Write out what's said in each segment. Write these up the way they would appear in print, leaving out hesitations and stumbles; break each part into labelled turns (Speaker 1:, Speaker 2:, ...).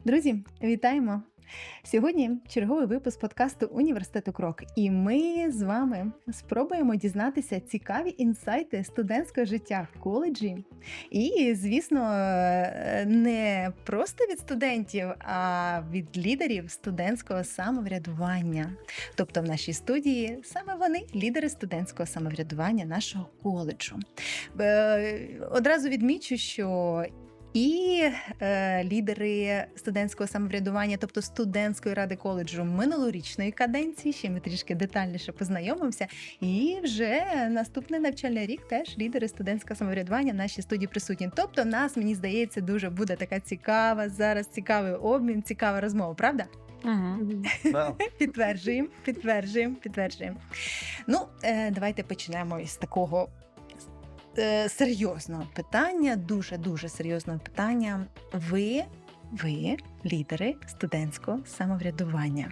Speaker 1: Друзі, вітаємо! Сьогодні черговий випуск подкасту Університету Крок, і ми з вами спробуємо дізнатися цікаві інсайти студентського життя в коледжі. І, звісно, не просто від студентів, а від лідерів студентського самоврядування. Тобто в нашій студії саме вони – лідери студентського самоврядування нашого коледжу. Одразу відмічу, що і лідери студентського самоврядування, тобто студентської ради коледжу минулорічної каденції, ще ми трішки детальніше познайомимося, і вже наступний навчальний рік теж лідери студентського самоврядування в нашій студії присутні. Тобто в нас, мені здається, дуже буде така цікава зараз, цікавий обмін, цікава розмова, правда?
Speaker 2: Да.
Speaker 1: Підтверджуємо. Ну, давайте почнемо із такого серйозного питання, дуже серйозного питання. Ви лідери студентського самоврядування.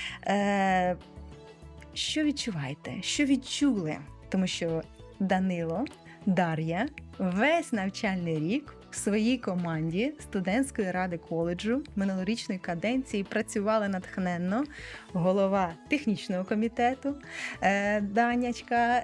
Speaker 1: Що відчуваєте? Що відчули? Тому що Данило, Дар'я весь навчальний рік в своїй команді студентської ради коледжу минулорічної каденції працювали натхненно. Голова технічного комітету Данячка,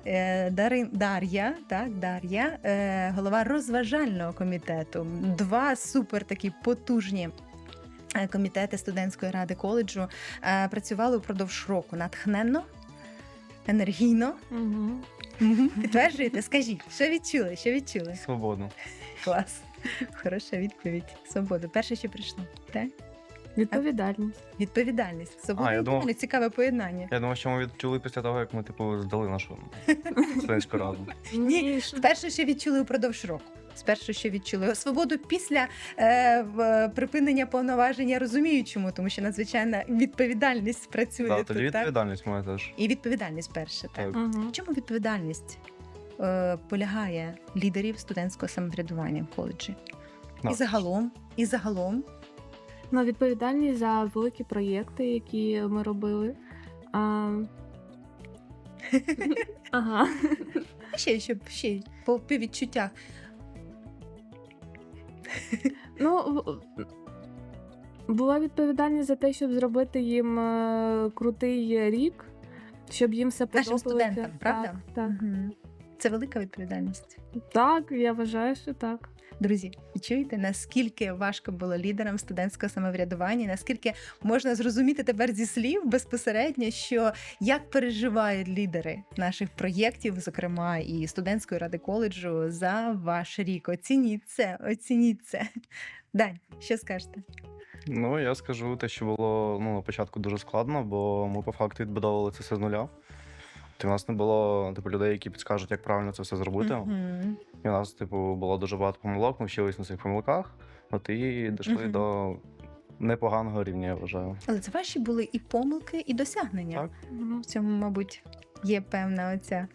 Speaker 1: Дар'я, голова розважального комітету. Два супер такі потужні комітети студентської ради коледжу працювали упродовж року натхненно, енергійно. Підтверджуєте? Скажіть, що відчули?
Speaker 2: Свободу.
Speaker 1: Клас. Хороша відповідь. Свобода. Перше, що прийшло. Так? Відповідальність. Свобода і відповідальність. Цікаве поєднання.
Speaker 2: Я думав, що ми відчули після того, як ми здали нашу студентську раду.
Speaker 1: Ні, перше, що відчули упродовж року. Спершу, що відчули свободу після припинення повноважень, я розумію чому, тому що надзвичайна відповідальність працює
Speaker 2: Да,
Speaker 1: тут,
Speaker 2: тоді відповідальність моя теж.
Speaker 1: І відповідальність перше, так. В чому відповідальність полягає лідерів студентського самоврядування в коледжі?
Speaker 2: Да.
Speaker 1: І загалом.
Speaker 3: Ну, відповідальність за великі проєкти, які ми робили. Ага.
Speaker 1: Ще по відчуттях.
Speaker 3: Ну, була відповідальність за те, щоб зробити їм крутий рік, щоб їм все подобалося.
Speaker 1: Нашим студентам, правда?
Speaker 3: Так.
Speaker 1: Це велика відповідальність.
Speaker 3: Так, я вважаю, що так.
Speaker 1: Друзі, ви чуєте, наскільки важко було лідерам студентського самоврядування, наскільки можна зрозуміти тепер зі слів безпосередньо, що як переживають лідери наших проєктів, зокрема і студентської ради коледжу, за ваш рік. Оцініть це. Дань, що скажете?
Speaker 2: Ну, я скажу те, що було на початку дуже складно, бо ми по факту відбудовували це все з нуля. У нас не було людей, які підскажуть, як правильно це все зробити. І у нас було дуже багато помилок, ми вчились на цих помилках, і дійшли до непоганого рівня, я вважаю.
Speaker 1: Але це ваші були і помилки, і досягнення.
Speaker 2: Так.
Speaker 1: В цьому, мабуть, є певна оця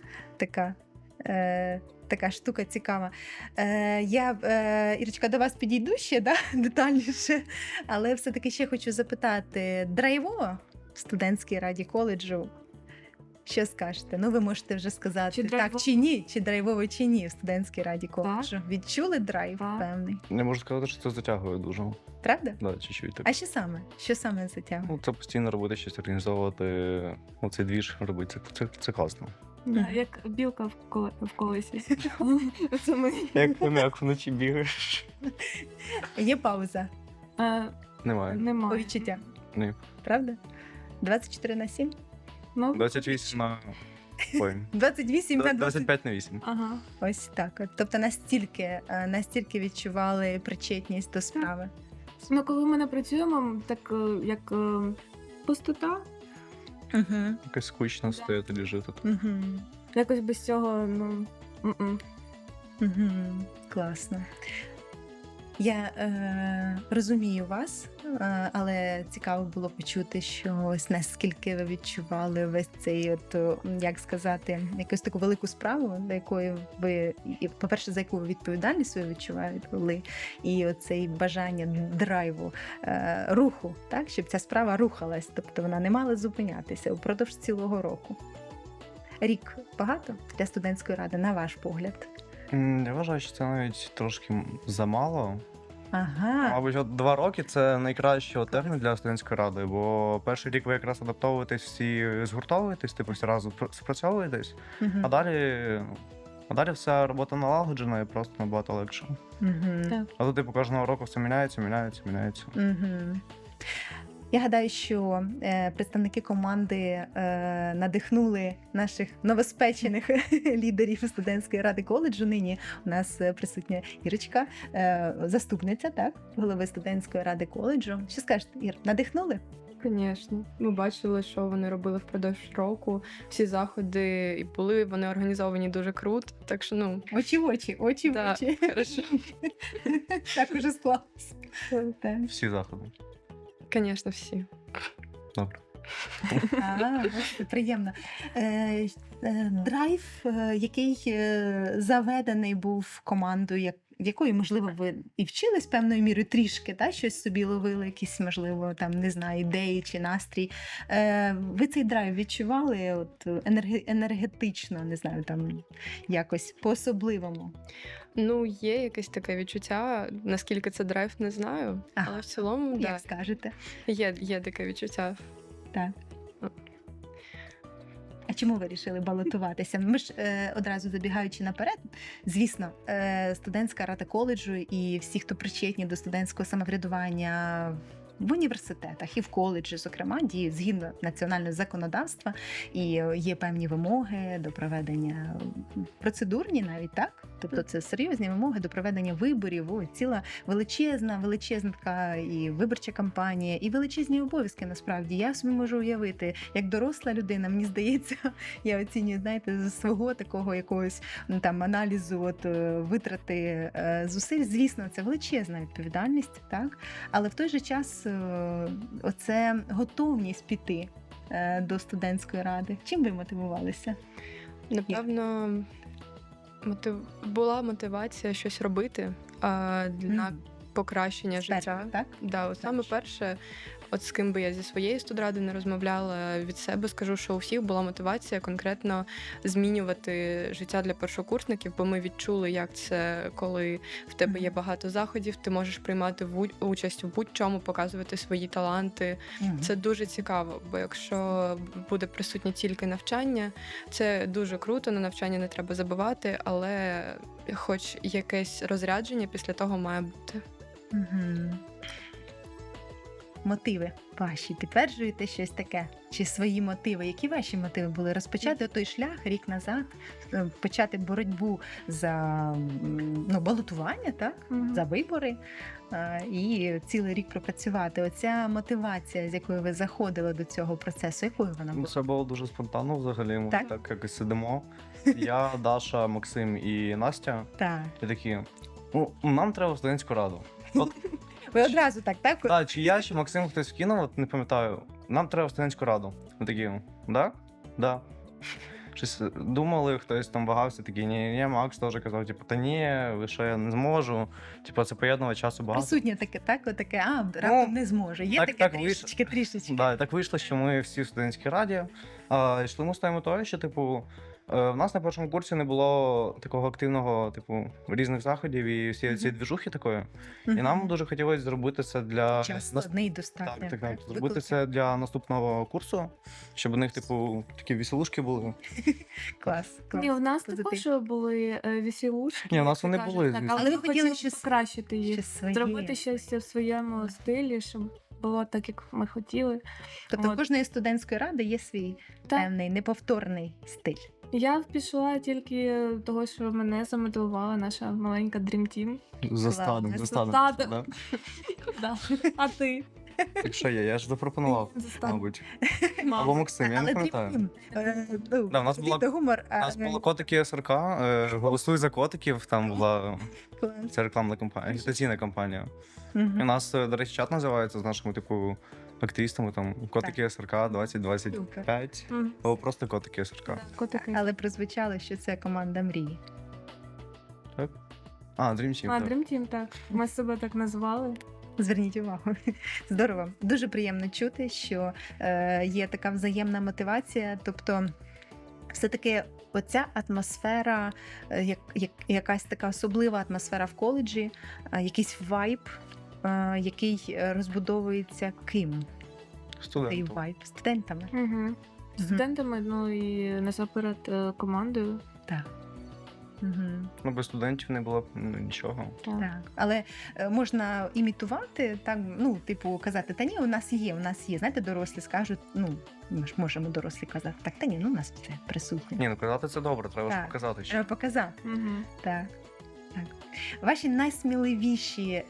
Speaker 1: така штука цікава. Я, Ірочка, до вас підійду ще детальніше, але все-таки ще хочу запитати, драйвово в студентській раді коледжу? Що скажете? Ну, ви можете вже сказати, так чи ні, чи драйвово, чи ні в студентській раді коледжу. Відчули драйв певний?
Speaker 2: Я можу сказати, що це затягує дуже.
Speaker 1: Правда?
Speaker 2: Да, чуть-чуть так.
Speaker 1: А що саме? Що саме затягує?
Speaker 2: Це постійно робити щось, організовувати, цей двіж робити. Це класно.
Speaker 3: Як білка в колесі. Це ми.
Speaker 2: Як вночі бігаєш.
Speaker 1: Є пауза?
Speaker 2: Немає.
Speaker 1: По відчуттям?
Speaker 2: Ні.
Speaker 1: Правда? 24/7?
Speaker 2: 28 на... Ой.
Speaker 1: 28 на
Speaker 2: 25 на 8.
Speaker 3: Ага.
Speaker 1: Ось так. Тобто настільки відчували причетність до справи.
Speaker 3: Ну, коли ми не працюємо, так як пустота.
Speaker 2: Якось скучно стояти, лежити.
Speaker 3: Якось без цього,
Speaker 1: Класно. Я розумію вас, але цікаво було почути, що ось наскільки ви відчували весь цей, як сказати, якусь таку велику справу, до якої ви, по-перше, за яку ви відповідальність свою відчували, і оцей бажання драйву, руху, так, щоб ця справа рухалась, тобто вона не мала зупинятися упродовж цілого року. Рік багато для студентської ради, на ваш погляд?
Speaker 2: Я вважаю, що це навіть трошки замало.
Speaker 1: Ага.
Speaker 2: Мабуть, от 2 роки це найкращий термін для студентської ради, бо перший рік ви якраз адаптовуєтесь, всі згуртовуєтесь, типу всі разом спрацьовуєтесь,
Speaker 1: Мгм.
Speaker 2: а далі вся робота налагоджена і просто набагато легше.
Speaker 1: Мгм.
Speaker 3: Так.
Speaker 2: А тут, типу, кожного року все міняється.
Speaker 1: Мгм. Я гадаю, що представники команди надихнули наших новоспечених лідерів студентської ради коледжу. Нині у нас присутня Ірочка, заступниця, так, голови студентської ради коледжу. Що скажете, Ір, надихнули?
Speaker 4: Звісно, ми бачили, що вони робили впродовж року. Всі заходи і були вони організовані дуже круто. Так що
Speaker 1: Очі в очі, очі в
Speaker 4: Да,
Speaker 1: очі.
Speaker 4: хорошо.
Speaker 1: Так уже склалося. Так.
Speaker 2: Всі заходи.
Speaker 4: Звісно, всі.
Speaker 2: Добре.
Speaker 1: Бачите, приємно. Драйв, який заведений був командою, в якої, можливо, ви і вчились певною мірою трішки, та, щось собі ловили, якісь, можливо, там, не знаю, ідеї чи настрій. Ви цей драйв відчували от, енергетично, не знаю, там, якось по-особливому?
Speaker 4: Є якесь таке відчуття. Наскільки це драйв, не знаю.
Speaker 1: Ага.
Speaker 4: Але в цілому,
Speaker 1: Як скажете?
Speaker 4: є таке відчуття.
Speaker 1: Так. А чому ви вирішили балотуватися? Ми ж одразу забігаючи наперед, звісно, студентська рада коледжу і всі, хто причетні до студентського самоврядування в університетах і в коледжі, зокрема, діють згідно національного законодавства, і є певні вимоги до проведення процедурні навіть, так? Тобто це серйозні вимоги до проведення виборів. Ой, ціла величезна така і виборча кампанія, і величезні обов'язки, насправді. Я собі можу уявити, як доросла людина, мені здається, я оцінюю, знаєте, з свого такого якогось там аналізу, от витрати зусиль. Звісно, це величезна відповідальність, так? Але в той же час оце готовність піти до студентської ради. Чим ви мотивувалися?
Speaker 4: Напевно, була мотивація щось робити на покращення життя.
Speaker 1: Так?
Speaker 4: Да, от саме перше, от з ким би я зі своєї студради не розмовляла, від себе скажу, що у всіх була мотивація конкретно змінювати життя для першокурсників, бо ми відчули, як це, коли в тебе є багато заходів, ти можеш приймати участь в будь-чому, показувати свої таланти. Це дуже цікаво, бо якщо буде присутнє тільки навчання, це дуже круто, на навчання не треба забувати, але хоч якесь розрядження після того має бути.
Speaker 1: Угу. Мотиви ваші, підтверджуєте щось таке? Чи свої мотиви? Які ваші мотиви були? Розпочати той шлях рік назад, почати боротьбу за балотування, так? За вибори, і цілий рік пропрацювати. Оця мотивація, з якою ви заходили до цього процесу, якою вона була?
Speaker 2: Це було дуже спонтанно взагалі. Ми
Speaker 1: Так?
Speaker 2: так якось сидимо. Я, Даша, Максим і Настя.
Speaker 1: Так.
Speaker 2: І такі, нам треба в студентську раду. От,
Speaker 1: Ви одразу так?
Speaker 2: так, чи я, чи Максим хтось вкинув, от не пам'ятаю. Нам треба в студентську раду. Ми такі, да? Да. Щось думали, хтось там вагався, такий, ні, Макс теж казав, типу, та ні, ви що, я не зможу. Типу, це поєднувати часу багато.
Speaker 1: Присутнє таке, так? Отаке, раптом не зможе. Є таке трішечки.
Speaker 2: Да, так вийшло, що ми всі в студентській раді. Йшли ми з тою метою, що, типу, в нас на першому курсі не було такого активного, типу, різних заходів і всієї цієї двіжухи такої. І нам дуже хотілося зробити це для...
Speaker 1: Час складний достатньо.
Speaker 2: Так. Зробити це для наступного курсу, щоб у них, типу, такі веселушки були.
Speaker 1: Клас.
Speaker 3: Ні, у нас
Speaker 1: Позитив.
Speaker 3: також були веселушки.
Speaker 2: Ні, у нас вони
Speaker 3: кажуть,
Speaker 2: були,
Speaker 3: так,
Speaker 2: звісно.
Speaker 3: але
Speaker 1: Але
Speaker 3: ми
Speaker 1: ви хотіли
Speaker 3: хотіли
Speaker 1: щось-
Speaker 3: покращити їх.
Speaker 1: Щось своє.
Speaker 3: Зробити щось в своєму стилі, щоб було так, як ми хотіли.
Speaker 1: Тобто у
Speaker 3: От.
Speaker 1: кожної студентської ради є свій
Speaker 3: Так.
Speaker 1: певний неповторний стиль.
Speaker 3: Я пішла тільки того, що мене замотивувала наша маленька Dream Team.
Speaker 2: За
Speaker 1: стадом,
Speaker 2: стадом.
Speaker 3: стадом.
Speaker 2: Да?
Speaker 3: Да. А ти?
Speaker 2: Так що я ж запропонував,
Speaker 3: За стадом.
Speaker 2: мабуть.
Speaker 3: Мама.
Speaker 2: Або Максим, я не пам'ятаю.
Speaker 1: Да,
Speaker 2: у нас була-
Speaker 1: гумор.
Speaker 2: У нас було котики СРК, голосуй за котиків, там була ця рекламна кампанія, агітаційна кампанія. І у нас, до речі, чат називається з нашими, типу, активістами, там, котики СРК 2025,
Speaker 3: Мгм.
Speaker 2: або просто котики СРК.
Speaker 3: Да, котики.
Speaker 1: Але прозвучало, що це команда мрії.
Speaker 2: Dream Team,
Speaker 3: А,
Speaker 2: так.
Speaker 3: Dream Team, так. Ми себе так назвали.
Speaker 1: Зверніть увагу. Здорово. Дуже приємно чути, що є така взаємна мотивація. Тобто, все-таки оця атмосфера, якась така особлива атмосфера в коледжі, якийсь вайб, який розбудовується ким? Цей
Speaker 2: Студентом.
Speaker 1: вайб студентами.
Speaker 3: Угу. Студентами, ну і насамперед командою.
Speaker 1: Так. Угу.
Speaker 2: Ну, без студентів не було б нічого.
Speaker 1: Так, але можна імітувати, так, ну, типу, казати, та ні, у нас є. Знаєте, дорослі скажуть, ну, ми ж можемо дорослі казати, так, та ні, ну, у нас це присутнє.
Speaker 2: Ні, ну казати це добре, треба ж
Speaker 1: Так.
Speaker 2: показати. Що.
Speaker 1: Треба показати.
Speaker 3: Угу.
Speaker 1: Так. Так. Ваші найсміливіші,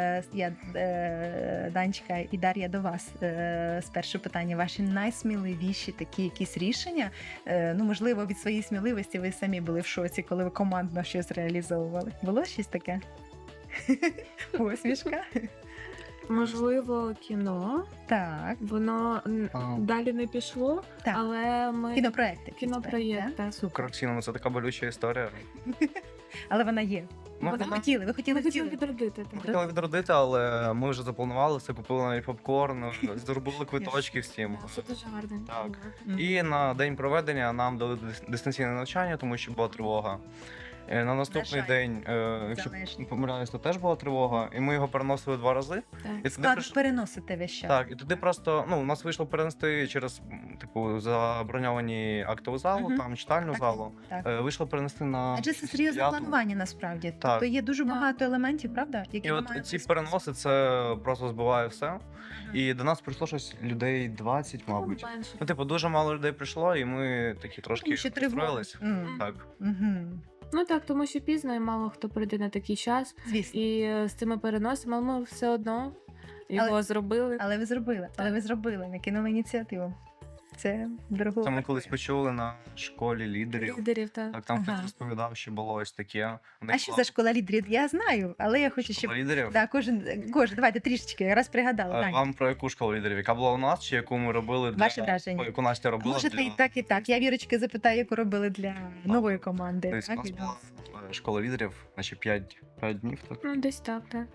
Speaker 1: Данечка і Дар'я, до вас спершу питання. Ваші найсміливіші такі якісь рішення, ну, можливо, від своєї сміливості ви самі були в шоці, коли ви командно щось реалізовували. Було щось таке? Посмішка?
Speaker 3: Можливо, кіно.
Speaker 1: Так,
Speaker 3: Воно далі не пішло,
Speaker 1: так.
Speaker 3: але ми
Speaker 1: Кінопроекти.
Speaker 3: кінопроєкт. Так.
Speaker 2: Коротше, ну це така болюча історія.
Speaker 1: Але вона є.
Speaker 2: Ну,
Speaker 1: Ви
Speaker 3: Вона-
Speaker 1: хотіли
Speaker 3: Ми хотіли
Speaker 1: втілити.
Speaker 3: відродити.
Speaker 2: Ми
Speaker 3: Так.
Speaker 2: хотіли відродити, але ми вже запланували все, купили навіть попкорн, зробили квиточки всім.
Speaker 3: Це дуже гарно.
Speaker 2: Так.
Speaker 1: Мгм.
Speaker 2: І на день проведення нам дали дистанційне навчання, тому що була тривога. На наступний
Speaker 1: жаль.
Speaker 2: день, якщо
Speaker 1: Залежно.
Speaker 2: не помиляюсь, то теж була тривога, і ми його переносили 2 рази.
Speaker 3: Так.
Speaker 2: І туди
Speaker 1: Складно
Speaker 2: прийш-
Speaker 1: переносити весь час.
Speaker 2: Так, і туди просто у нас вийшло перенести через типу заброньовані актову залу,
Speaker 1: Мгм.
Speaker 2: там читальну
Speaker 1: Так,
Speaker 2: залу.
Speaker 1: так.
Speaker 2: Вийшло перенести на
Speaker 1: Адже це серйозне
Speaker 2: п'яту.
Speaker 1: планування насправді.
Speaker 2: Так.
Speaker 1: Тобто є дуже
Speaker 3: Так.
Speaker 1: багато елементів, правда? Які
Speaker 2: І
Speaker 1: ви
Speaker 2: от
Speaker 1: маєте
Speaker 2: ці
Speaker 1: виконати.
Speaker 2: переноси це просто збиває все. І до нас прийшло щось людей 20, мабуть.
Speaker 3: Менше.
Speaker 2: Ну, типу, дуже мало людей прийшло, і ми такі трошки
Speaker 1: Тому що тривога.
Speaker 2: розстроїлись.
Speaker 1: М.
Speaker 2: Так.
Speaker 1: Мгм.
Speaker 3: Ну так, тому що пізно і мало хто прийде на такий час.
Speaker 1: Звісно.
Speaker 3: І з цими переносами ми все одно його зробили.
Speaker 1: Але ви зробили, накинули ініціативу. Це дорого.
Speaker 2: Це ми колись почули на школі лідерів.
Speaker 3: Лідерів, так.
Speaker 2: Так, там
Speaker 1: Ага.
Speaker 2: хтось розповідав, що було ось таке. У них
Speaker 1: А що
Speaker 2: була
Speaker 1: за школа лідерів? Я знаю, але я хочу, щоб
Speaker 2: школа лідерів.
Speaker 1: да, кожен, давайте трішечки, я раз пригадала. Дань.
Speaker 2: Вам про яку школу лідерів? Яка була у нас, чи яку ми робили для
Speaker 1: Ваше враження?
Speaker 2: яку Настя робила
Speaker 1: Можете
Speaker 2: для...
Speaker 1: і так, і так. Я Вірочки запитаю, яку робили для нової команди.
Speaker 2: Тобто, у
Speaker 1: Так,
Speaker 2: нас
Speaker 1: і
Speaker 2: була школа лідерів, значить 5 днів. Так?
Speaker 3: Ну, десь так, так.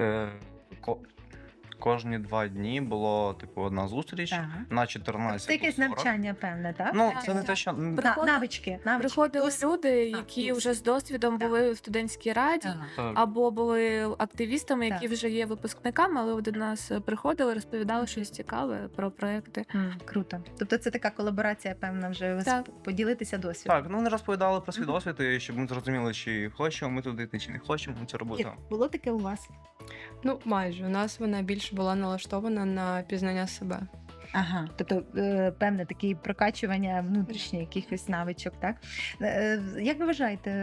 Speaker 2: Кожні 2 дні було типу одна зустріч
Speaker 1: Так.
Speaker 2: на 14.
Speaker 1: Це якесь навчання, певне, так?
Speaker 2: Ну,
Speaker 3: Так,
Speaker 2: це не
Speaker 3: так.
Speaker 2: те, що
Speaker 1: Навички.
Speaker 3: Приходили
Speaker 1: Досвід.
Speaker 3: люди, які
Speaker 1: досвід.
Speaker 3: вже з досвідом
Speaker 1: Так.
Speaker 3: були в студентській раді.
Speaker 1: Ага.
Speaker 2: так.
Speaker 3: Або були активістами, які
Speaker 1: Так.
Speaker 3: вже є випускниками, але до нас приходили, розповідали щось цікаве про проекти.
Speaker 1: Круто. Тобто це така колаборація, певна, вже
Speaker 3: Так.
Speaker 1: поділитися досвідом.
Speaker 2: Так, ну не розповідали про свій
Speaker 1: Мгм.
Speaker 2: досвід, і щоб ми зрозуміли, чи хочемо ми туди йти, чи не хочемо це робити.
Speaker 1: Як було таке у вас?
Speaker 4: Ну, майже. У нас вона більше була налаштована на пізнання себе.
Speaker 1: Ага, тобто певне таке прокачування внутрішніх якихось навичок, так? Як ви вважаєте,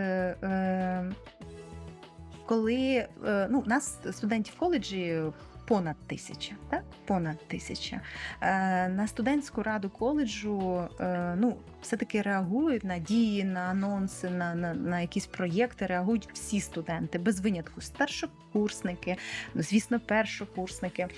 Speaker 1: коли ну, у нас студентів в коледжі понад 1000, так? Понад 1000. На студентську раду коледжу ну, все-таки реагують на дії, на анонси, на якісь проєкти, реагують всі студенти, без винятку. Старшокурсники, ну, звісно, першокурсники.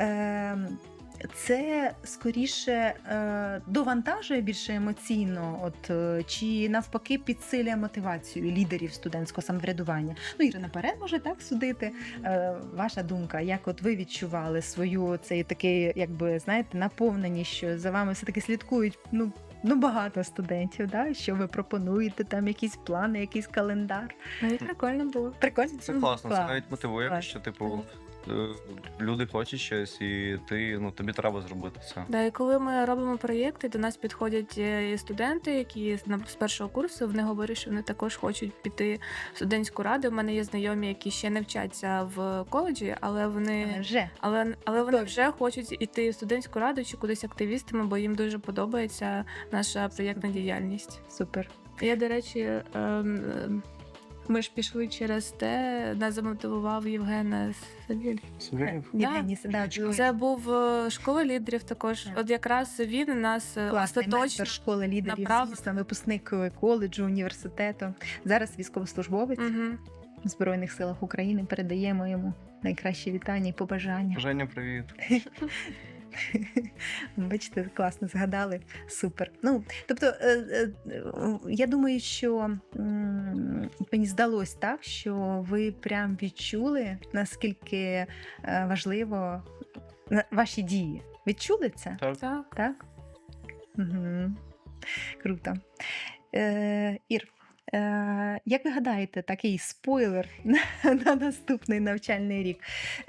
Speaker 1: Це скоріше довантажує більше емоційно, чи навпаки підсилює мотивацію лідерів студентського самоврядування. Ну, Ірина, наперед може так судити. Ваша думка, як от ви відчували свою цей такий, якби знаєте, наповненість, що за вами все таки слідкують ну багато студентів, да? Що ви пропонуєте, там якісь плани, якийсь календар.
Speaker 3: Навіть прикольно було.
Speaker 1: Прикольно?
Speaker 2: Це класно, це
Speaker 1: Клас.
Speaker 2: навіть мотивує,
Speaker 1: Клас.
Speaker 2: що типу люди хочуть щось, і тобі треба зробити це.
Speaker 3: Да, і коли ми робимо проєкти, до нас підходять і студенти, які з першого курсу, вони говорять, що вони також хочуть піти в студентську раду. У мене є знайомі, які ще не вчаться в коледжі, але вони
Speaker 1: Вже.
Speaker 3: але вони
Speaker 1: Добре.
Speaker 3: вже хочуть іти в студентську раду чи кудись активістами, бо їм дуже подобається наша проєктна діяльність.
Speaker 1: Супер.
Speaker 3: Я, до речі, ми ж пішли через те, нас замотивував Євген Савіль.
Speaker 2: Савєлєв?
Speaker 1: Євгеній, да,
Speaker 3: Це був школа лідерів також.
Speaker 1: Так.
Speaker 3: От якраз він нас
Speaker 1: класний
Speaker 3: остаточно.
Speaker 1: ментор школи лідерів,
Speaker 3: направ-
Speaker 1: звісно, випускник коледжу, університету. Зараз військовослужбовець
Speaker 3: Мгм.
Speaker 1: в Збройних силах України. Передаємо йому найкращі вітання і побажання.
Speaker 2: Женя, привіт.
Speaker 1: Бачите, класно згадали. Супер. Ну, тобто, я думаю, що мені здалось так, що ви прям відчули, наскільки важливо ваші дії. Відчули це?
Speaker 2: Так.
Speaker 3: Так.
Speaker 1: Так? Угу. Круто. Ір, як ви гадаєте, такий спойлер на наступний навчальний рік?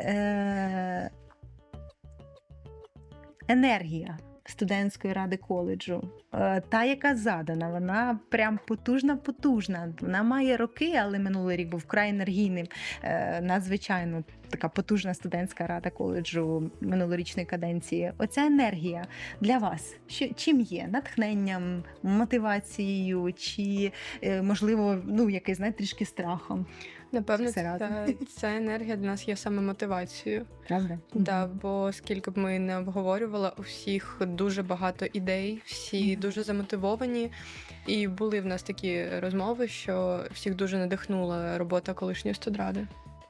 Speaker 1: Енергія студентської ради коледжу, та, яка задана, вона прям потужна. Вона має роки, але минулий рік був вкрай енергійним. Надзвичайно така потужна студентська рада коледжу минулорічної каденції. Оця енергія для вас чим є? Натхненням, мотивацією чи, можливо, якийсь, знаєте, трішки страхом?
Speaker 4: Напевно,
Speaker 1: Всередині.
Speaker 4: ця енергія для нас є саме мотивацією.
Speaker 1: Правда?
Speaker 4: Да, бо скільки б ми не обговорювали, у всіх дуже багато ідей, всі дуже замотивовані. І були в нас такі розмови, що всіх дуже надихнула робота колишньої студради.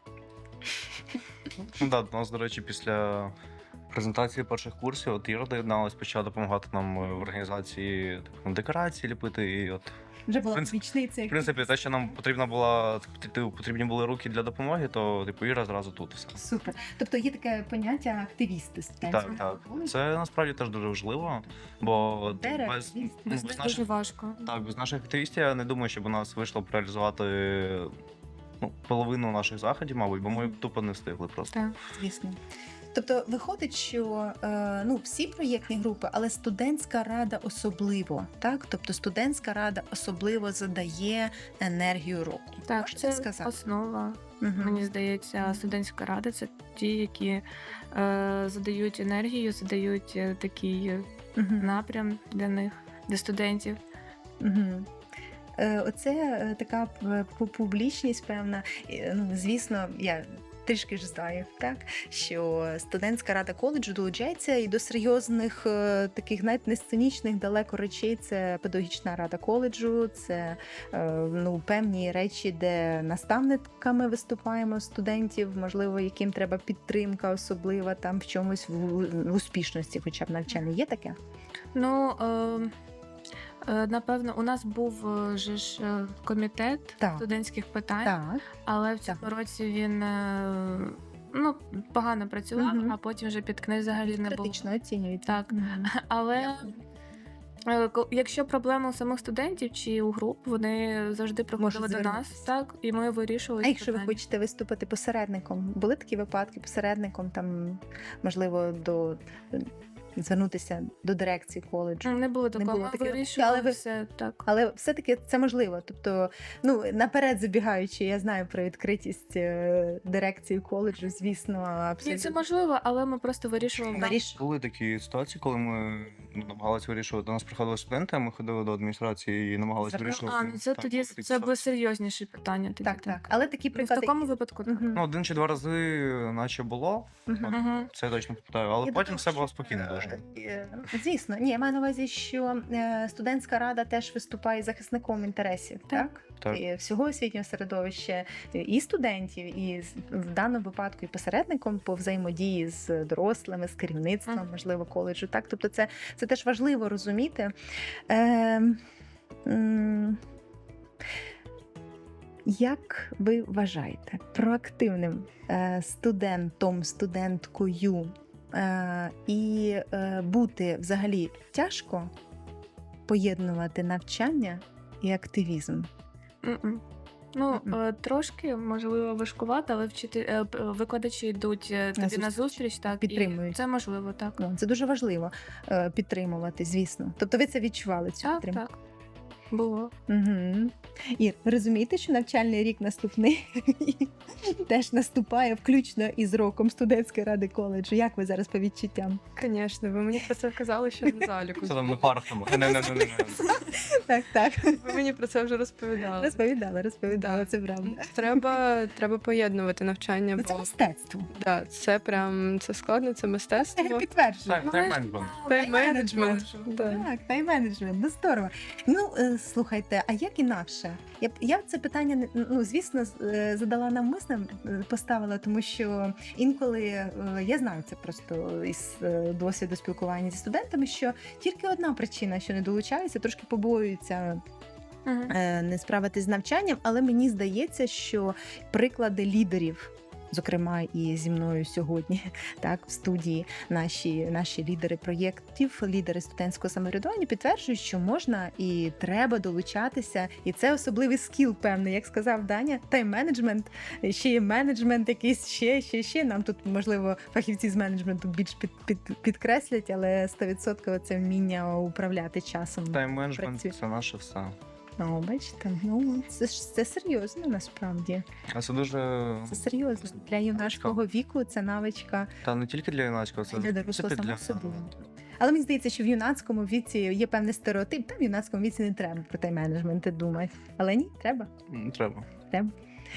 Speaker 2: Ну, да, у нас, до речі, після презентації перших курсів, от Іра доєдналась, почала допомагати нам в організації декорації ліпити. І от,
Speaker 1: Вже була
Speaker 2: принцип-
Speaker 1: вічниця.
Speaker 2: в принципі, те, що нам потрібні були руки для допомоги, то типу Іра зразу тут все.
Speaker 1: Супер. Тобто є таке поняття активісти студентського
Speaker 2: Так.
Speaker 1: коледжу.
Speaker 2: Це насправді теж дуже важливо, бо
Speaker 1: Де
Speaker 2: без,
Speaker 1: активіст?
Speaker 2: ну, без
Speaker 3: Дуже
Speaker 2: наших
Speaker 3: важко.
Speaker 2: без наших активістів я не думаю, щоб у нас вийшло б реалізувати половину наших заходів, мабуть, бо ми б тупо не встигли просто.
Speaker 3: Так.
Speaker 1: Звісно. Тобто виходить, що всі проєктні групи, але студентська рада особливо, так? Тобто студентська рада особливо задає енергію року.
Speaker 3: Так,
Speaker 1: Можете
Speaker 3: це
Speaker 1: сказати?
Speaker 3: основа.
Speaker 1: Мгм.
Speaker 3: Мені здається, студентська рада це ті, які задають енергію, задають такий
Speaker 1: Мгм.
Speaker 3: напрям для них, для студентів.
Speaker 1: Мгм. Оце така публічність, певна. Звісно, я трішки ж знаю, так, що студентська рада коледжу долучається і до серйозних таких навіть не сценічних далеко речей. Це педагогічна рада коледжу, це певні речі, де наставниками виступаємо студентів, можливо, яким треба підтримка особлива там в чомусь в успішності, хоча б навчальній. Є таке?
Speaker 3: Ну, напевно, у нас був же ж комітет
Speaker 1: Так.
Speaker 3: студентських питань,
Speaker 1: Так.
Speaker 3: але в цьому році він погано працював,
Speaker 1: Мгм.
Speaker 3: а потім вже під книг взагалі не було.
Speaker 1: Критично оцінюють.
Speaker 3: Так. Але якщо проблеми у самих студентів чи у груп, вони завжди приходили до нас,
Speaker 1: звернутися.
Speaker 3: так, і ми вирішували.
Speaker 1: А
Speaker 3: ці
Speaker 1: якщо ви
Speaker 3: питання.
Speaker 1: хочете виступити посередником, були такі випадки посередником, там можливо звернутися до дирекції коледжу?
Speaker 3: Не було такого,
Speaker 1: було
Speaker 3: ми
Speaker 1: такого.
Speaker 3: вирішували
Speaker 1: Але ви-
Speaker 3: все так.
Speaker 1: Але все-таки це можливо. Тобто, наперед забігаючи, я знаю про відкритість дирекції коледжу, звісно,
Speaker 3: Ні,
Speaker 1: абсолютно.
Speaker 3: це можливо, але ми просто вирішували.
Speaker 2: Були такі ситуації, коли ми намагалися вирішувати. До нас приходили студенти, а ми ходили до адміністрації і намагалися вирішувати.
Speaker 3: Це
Speaker 2: так,
Speaker 3: тоді
Speaker 2: такі
Speaker 3: це
Speaker 2: ситуації.
Speaker 3: були серйозніші питання. Тоді,
Speaker 1: Так. Але такі
Speaker 3: Ну, в
Speaker 1: приклади.
Speaker 3: такому випадку так.
Speaker 1: Мгм.
Speaker 2: Один чи два рази, наче було,
Speaker 1: Мгм.
Speaker 3: Мгм.
Speaker 2: це я точно пам'ятаю, але
Speaker 1: Я
Speaker 2: потім
Speaker 1: думаю,
Speaker 2: все було
Speaker 1: що,
Speaker 2: спокійно дуже.
Speaker 1: Звісно, ні, я маю на увазі, що студентська рада теж виступає захисником інтересів, так?
Speaker 2: Так.
Speaker 1: І всього освітнього середовища, і студентів, і в даному випадку і посередником по взаємодії з дорослими, з керівництвом, можливо, коледжу. Так, тобто, це теж важливо розуміти. Як ви вважаєте, проактивним студентом, студенткою і бути взагалі тяжко поєднувати навчання і активізм?
Speaker 3: Мгм. Трошки, можливо, важкувато, але викладачі йдуть тобі
Speaker 1: зустріч.
Speaker 3: на зустріч, так,
Speaker 1: Підтримують.
Speaker 3: і це можливо, так.
Speaker 1: Це дуже важливо підтримувати, звісно. Тобто ви це відчували, цю
Speaker 3: Так,
Speaker 1: підтримку?
Speaker 3: так. Було.
Speaker 1: Угу. Ір, ви розумієте, що навчальний рік наступний теж наступає включно із роком студентської ради коледжу. Як ви зараз по відчуттям?
Speaker 4: Звісно, ви мені про це казали ще на заліку.
Speaker 2: Це там на парах там.
Speaker 1: Так.
Speaker 4: Ви мені про це вже розповідали.
Speaker 1: Розповідала, це правда.
Speaker 4: Треба поєднувати навчання,
Speaker 1: Це
Speaker 4: бо
Speaker 1: мистецтво.
Speaker 4: це складно, це мистецтво.
Speaker 1: Підтверджую.
Speaker 4: Тайм-менеджмент.
Speaker 1: Так, тайм-менеджмент, здорово. Слухайте, а як інакше? Я це питання, звісно, задала навмисно, поставила, тому що інколи, я знаю це просто із досвіду спілкування зі студентами, що тільки одна причина, що не долучаються, трошки побоюються не справитись з навчанням, але мені здається, що приклади лідерів зокрема і зі мною сьогодні, так, в студії наші лідери проєктів, лідери студентського самоврядування підтверджують, що можна і треба долучатися, і це особливий скіл, певний, як сказав Даня, тайм-менеджмент, ще є менеджмент якийсь, ще. Нам тут, можливо, фахівці з менеджменту більш підкреслять, але 100% це вміння управляти часом.
Speaker 2: Тайм-менеджмент
Speaker 1: працює.
Speaker 2: – це наше все.
Speaker 1: Бачите, це серйозно насправді.
Speaker 2: А це дуже...
Speaker 1: Це серйозно. Для юнацького віку це навичка
Speaker 2: Та не тільки для юнацького, це
Speaker 1: для
Speaker 2: в
Speaker 1: дорослого
Speaker 2: принципі,
Speaker 1: само собою. Але мені здається, що в юнацькому віці є певний стереотип, там в юнацькому віці не треба про тайм-менеджмент думати. Але ні, треба.
Speaker 2: Треба.
Speaker 1: Треба.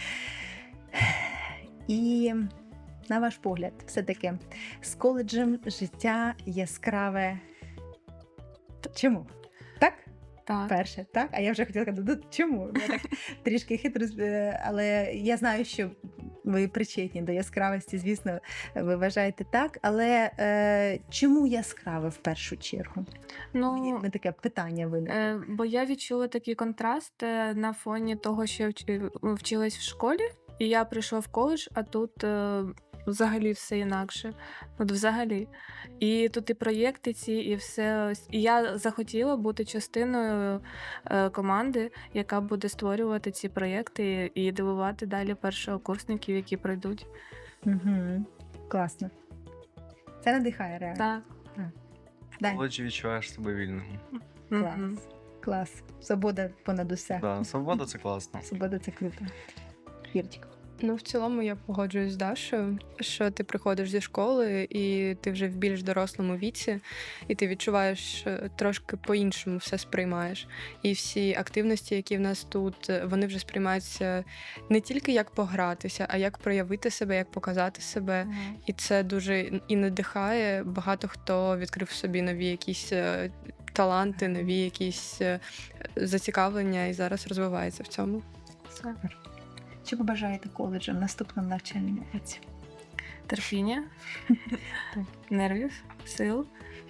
Speaker 1: І на ваш погляд, все-таки з коледжем життя яскраве. Чому? Так?
Speaker 3: Так.
Speaker 1: Перше, так? А я вже хотіла сказати, ну, чому? Я так трішки хитро, але я знаю, що ви причетні до яскравості, звісно, ви вважаєте так. Але чому яскраве в першу чергу?
Speaker 3: Ну,
Speaker 1: Мені таке питання виникло.
Speaker 3: бо я відчула такий контраст на фоні того, що я вчилась в школі, і я прийшла в коледж, а тут взагалі все інакше. От взагалі. І тут і проєкти ці, і все. І я захотіла бути частиною команди, яка буде створювати ці проєкти і дивувати далі першокурсників, які пройдуть.
Speaker 1: Угу. Класно. Це надихає реально.
Speaker 3: Так.
Speaker 2: В
Speaker 1: Дань,
Speaker 2: коледжі відчуваєш себе вільним.
Speaker 1: клас.
Speaker 3: Мгм.
Speaker 1: Клас. Свобода понад усе.
Speaker 2: Да, свобода – це класно.
Speaker 1: Свобода це круто. Вірчик.
Speaker 4: Ну, в цілому я погоджуюсь з Дашою, що ти приходиш зі школи, і ти вже в більш дорослому віці, і ти відчуваєш трошки по-іншому все сприймаєш. І всі активності, які в нас тут, вони вже сприймаються не тільки як погратися, а як проявити себе, як показати себе.
Speaker 3: Мгм.
Speaker 4: І це дуже і надихає. Багато хто відкрив в собі нові якісь таланти, нові якісь зацікавлення і зараз розвивається в цьому.
Speaker 1: Супер. Що побажаєте коледжам в наступному навчальному році?
Speaker 3: Терпіння, нервів, сил.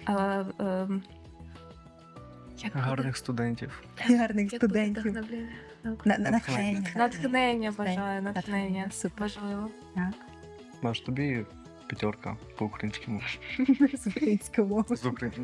Speaker 3: Як
Speaker 2: Гарних студентів.
Speaker 1: Гарних
Speaker 3: як буде
Speaker 1: студентів.
Speaker 3: вдохновлення?
Speaker 1: Натхнення.
Speaker 3: Натхнення бажаю, натхнення.
Speaker 1: Супер.
Speaker 3: Важливо.
Speaker 1: Так.
Speaker 2: Маш, тобі 5 по українському.
Speaker 1: З українською мовою.
Speaker 2: З українською.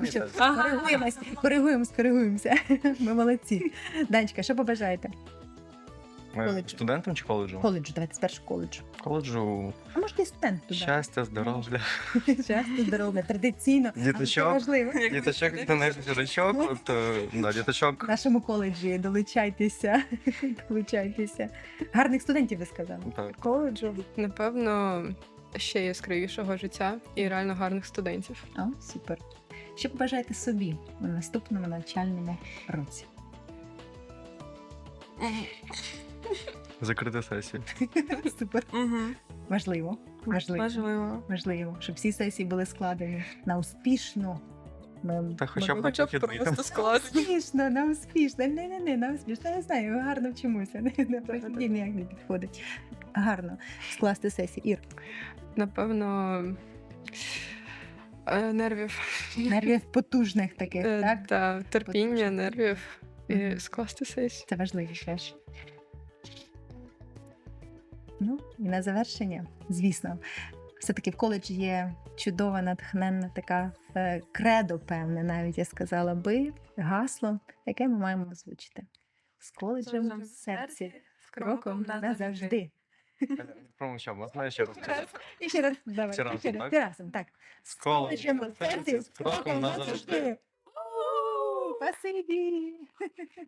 Speaker 1: Коригуємося. Ми молодці. Данечка, що побажаєте? Коледжу.
Speaker 2: Студентам чи коледжу?
Speaker 1: Коледжу, давайте спершу коледжу.
Speaker 2: Коледжу
Speaker 1: А може і студент туди.
Speaker 2: щастя, здоров'я.
Speaker 1: Щастя, здоров'я, традиційно. Але це
Speaker 2: Діточок.
Speaker 1: важливо.
Speaker 2: Діточок, діточок, діточок.
Speaker 1: В нашому коледжі долучайтеся. Долучайтеся. Гарних студентів, ви сказали.
Speaker 2: Так.
Speaker 4: Коледжу, напевно, ще яскравішого життя і реально гарних студентів.
Speaker 1: О, супер. Що побажаєте собі у наступному навчальному році?
Speaker 2: Закрити сесію.
Speaker 1: Супер.
Speaker 3: Мгм.
Speaker 1: Важливо.
Speaker 3: Важливо.
Speaker 1: Щоб всі сесії були складені на успішно.
Speaker 2: Та хоча б на вихідний там.
Speaker 1: Успішно, на успішно. Не, на успішно. Я не знаю, гарно вчимося. На прохідні ніяк не підходить. Гарно скласти сесію. Ір,
Speaker 4: Напевно, нервів.
Speaker 1: нервів потужних таких, так?
Speaker 4: Та, терпіння,
Speaker 1: Потужних.
Speaker 4: нервів і
Speaker 1: Мгм.
Speaker 4: скласти сесію.
Speaker 1: Це важливо теж. Ну, і на завершення, звісно, все-таки в коледжі є чудова, натхненна така кредо, певне, навіть я сказала би, гасло, яке ми маємо озвучити. З коледжем в серці, з кроком назавжди.
Speaker 2: Промовчав, можна ще раз сказати?
Speaker 1: І ще раз, давай,
Speaker 2: Всі разом,
Speaker 1: ще раз,
Speaker 2: так?
Speaker 1: всі разом, так.
Speaker 2: З коледжем
Speaker 1: в серці,
Speaker 2: з кроком назавжди.
Speaker 1: Спасибі!